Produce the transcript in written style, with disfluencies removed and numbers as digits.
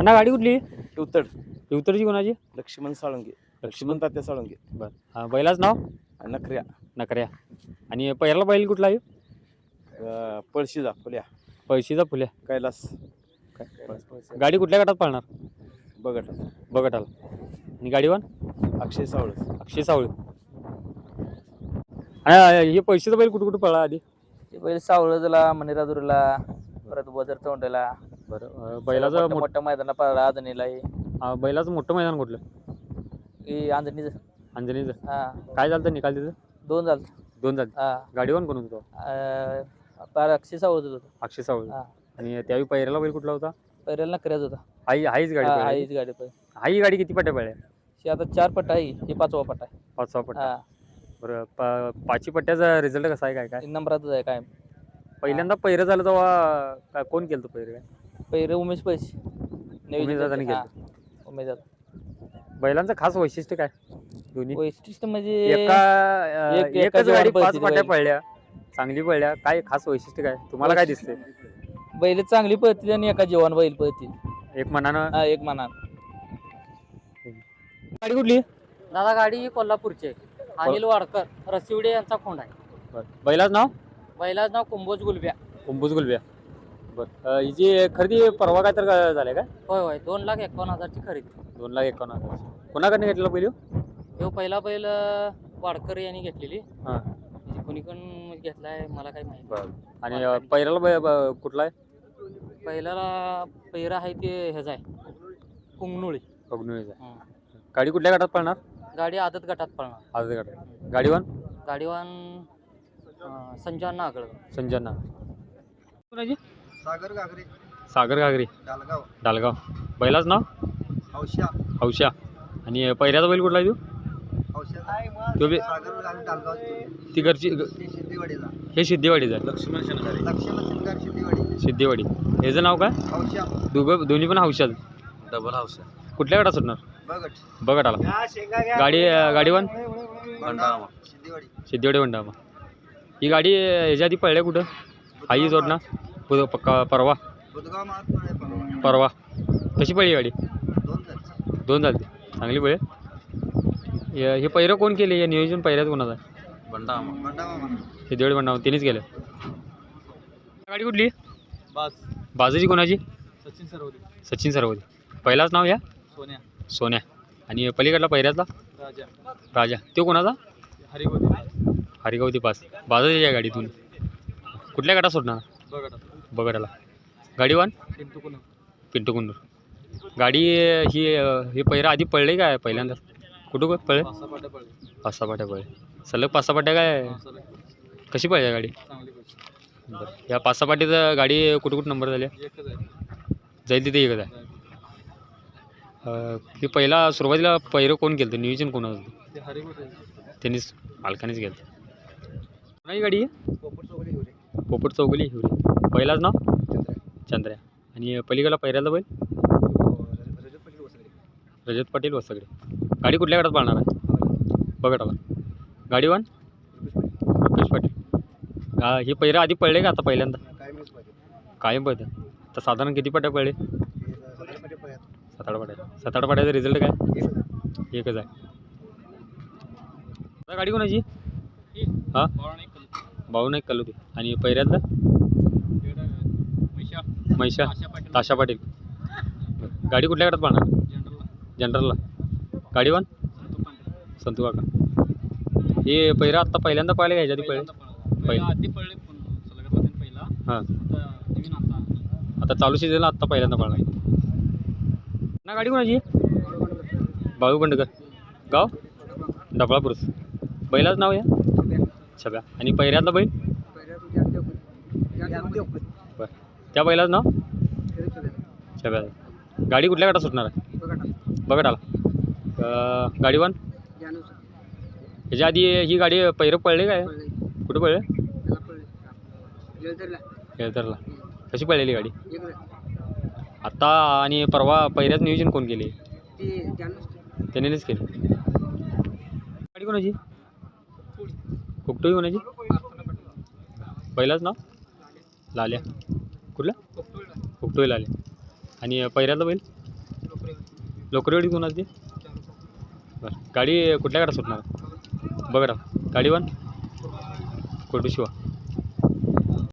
अण्णा गाडी कुठली? उत्तड उत्तरची कोणाची? लक्ष्मण साळुंगे. लक्ष्मण तात्या साळुंगे. बरं बैलाच नाव? नखऱ्या. नकऱ्या. आणि पहिला बैल कुठला आहे? पळशीचा फुल्या. पळशीचा फुल्या. कैलास. गाडी कुठल्या गटात पळणार? बघट. बघटाला. आणि गाडीवान? अक्षय सावळ. अक्षय सावळे. आणि हे पळशीचा बैल कुठं कुठं पळला आधी? बैल सावळजला, मणिराजुरीला, परत वजर तोंडला. बरं बैलाचं मोठ्या मैदानाला पळला. आदणीला बैलाचं मोठं मैदान कुठलं? आंजणीचं. अंजनीचं. हा. काय झालं तर निकाल तिथं? 2 झालं. 2 झाले. हा. गाडीवान कोण होतो? अक्षय सावळच होतं. अक्षय सावळे. हा. आणि त्यावेळी पहिऱ्याला बैल कुठला होता? पहिल्याला नकऱ्याच होता. हाईच गाडी पळाली. हाईच गाडी पळली. हाई गाडी किती पट्ट्या पळल्या? ही आता 4 पट्टा आहे. ही 5वा पट्टा आहे. 5 पट्टा. हा. बरं पाचवी पट्ट्याचा रिझल्ट कसा आहे? काय नंबरातच आहे काय. पहिल्यांदा पहिरं झालं तेव्हा कोण केलं पहिरं? काय पहिरे उमेश पैसे उमेश दादाने केलं. उमेश दादा. बैलांचं खास वैशिष्ट्य काय? दोन्ही वैशिष्ट्य म्हणजे एकच गाडी 5 पट्ट्या पळल्या, चांगली पळल्या. काय खास वैशिष्ट्य काय तुम्हाला काय दिसते? बैल चांगली पळतील आणि एका जेवण बैल पळतील. एक मनानं. एक मनान. गाडी कुठली? दादा गाडी कोल्हापूरची आहे. अनिल वाडकर रसिवडे यांचा खोंड आहे. बैलाचं नाव? बैलाच नाव कुंभोज गुलब्या. कुंभूज गुलब्या. बरं हिची खरेदी परवा काय तर झाले काय? होय 2,51,000ची खरेदी. 2,51,000. कोणाकडे घेतलेला बैल? तो पहिला बैल वाडकर यांनी घेतलेली. हां. कोणी कोण घेतलाय मला काही माहिती. बरं. आणि पहिल्याला कुठला आहे? पहिल्याला पहिरा आहे ते ह्याचा आहे कुंगनुळी. बघणूचा. गाडी कुठल्या गटात पळणार? गाडी आदत गटात पळणार. आदत गटात. गाडीवान? गाडीवान संजयना आगळ. संजना. कोणाची? सागर घागरे. सागर घागरे. डालगाव. डालगाव. बैलाच नाव? हौशा. हौशा. आणि पहिल्याचा बैल कुठला आहे तो? तो बी सागर आणि डालगाव. ती घरची सिद्धीवाडीचा. हे सिद्धीवाडीचं आहे. लक्ष्मण शिंगार सिद्धीवाडी. सिद्धीवाडी. ह्याचं नाव काय? हौशा. दोन्ही पण हौशाच. डबल हौशा. कुठल्या गटात सुटणार? बघट. बघत आला. गाडीवान? भंडारा. सिद्धीवाडी. सिद्धीवाडी भंडारा. ही गाडी ह्याच्या आधी पळल्या कुठं? आई जोडणार परवा. बुधगाव महात्मा. परवा. कशी पळली गाडी? 2 झाली. चांगली पळे. हे पहिरं कोण केले? या नियोजन पहिऱ्यात कोणाचं आहे? भंडारा. सिद्धीवाडी भंडारा त्यांनीच केलं. गाडी कुठली? बाजूची कोणाची? सचिन सरवदे. पहिलाच नाव या? सोन्या. आणि पलीकडला पहिऱ्यातला? राजा. तो कोणाचा? हरिगवती पास. बाजाराच्या गाडीतून कुठल्या गटात सुटणार? बघटाला. गाडीवान? पिंटू कुंदूर. गाडी ही पहिरा आधी पडले काय पहिल्यांदा? कुठं पळले? 5-6 पाट्या पळले. सलग 5-6 पाट्या काय? कशी पळली गाडी? बरं. या 5-6 पाट्याचं गाडी कुठं नंबर झाल्या? जाईल तिथे एकच आहे. हे पहिला सुरुवातीला पहिरं कोण केलं? नियोजन कोणाचं होतं? त्यांनीच मालकानेच केलं. कोणाची गाडी आहे? पोपट चौगुली हिवरी. पहिलाच नाव? चंद्र्या. आणि पलीकडला पहिऱ्याला बैल? रजत पाटील वसगडे. गाडी कुठल्या गटात पाळणार आहे? बघटाला. गाडीवान? रुपेश पाटील. हे पहिरं आधी पडले का आता पहिल्यांदा? कायम पळतं. तर साधारण किती पाट्या पडले? 7-8 पाट्या. 7-8 पाट्याचा रिझल्ट काय? एकच आहे. गाडी कोणाची? हां भाऊ कल होती. आणि पहिऱ्यातला? मैशा ताशा पाटील. गाडी कुठल्या गटात पाळणार? जनरलला. गाडीवान? संतू काका. हे पहिरा आत्ता पहिल्यांदा पाहिले का? ह्याच्या आधी पहिले? हां. आता चालू सीझनला आत्ता पहिल्यांदा पाळणार ना. गाडी कोणाची? बाळू बंडकर. गाव? डबळापूर. बैलाच नाव या? छब्या. आणि पहिऱ्यातला बैल? बरं. त्या बैलाच नाव? छब्या. गाडी कुठल्या गटात सुटणार आहे? बघत आला. गाडीवान? ह्याच्या आधी ही गाडी पहिरं पळले काय? कुठं पळले? येळतरला. कशी पळलेली गाडी? आत्ता आणि परवा पहिऱ्यात नियोजन कोण केले? त्यानेच केले. गाडी कोणाची? कुकटोई कोणाची? पहिलाच नाव? लाल्या. कुठला? कुकटोई लाल्या. आणि पहिऱ्यातला बैल? लोकरवाडी कोणाची बरं गाडी कुठल्या गाडा सुटणार बघा गाडी वन कोटू शिवा